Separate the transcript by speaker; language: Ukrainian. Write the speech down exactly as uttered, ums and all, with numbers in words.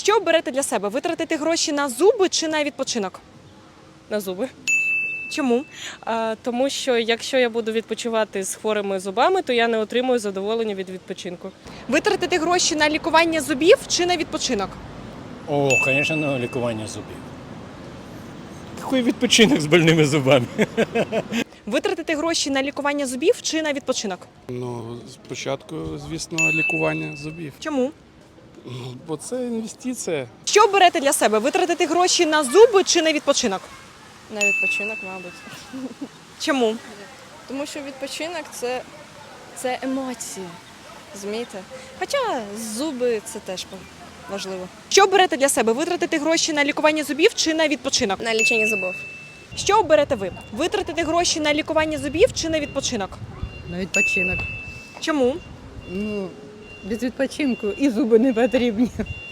Speaker 1: Що оберете для себе? Витратити гроші на зуби чи на відпочинок?
Speaker 2: На зуби.
Speaker 1: Чому?
Speaker 2: А, тому що якщо я буду відпочивати з хворими зубами, то я не отримую задоволення від відпочинку.
Speaker 1: Витратити гроші на лікування зубів чи на відпочинок?
Speaker 3: О, звісно, на лікування зубів. Який відпочинок з больними зубами?
Speaker 1: Витратити гроші на лікування зубів чи на відпочинок?
Speaker 4: Ну, спочатку, звісно, лікування зубів.
Speaker 1: Чому?
Speaker 4: Ну, бо це інвестиція.
Speaker 1: Що оберете для себе? Витратити гроші на зуби чи на відпочинок?
Speaker 5: На відпочинок, мабуть.
Speaker 1: Чому?
Speaker 5: Тому що відпочинок це, це емоції. Розумієте? Хоча зуби це теж важливо.
Speaker 1: Що оберете для себе? Витратити гроші на лікування зубів чи на відпочинок?
Speaker 5: На лічення зубів.
Speaker 1: Що оберете ви? Витратити гроші на лікування зубів чи на відпочинок?
Speaker 6: На відпочинок.
Speaker 1: Чому?
Speaker 6: Ну, без відпочинку і зуби не потрібні.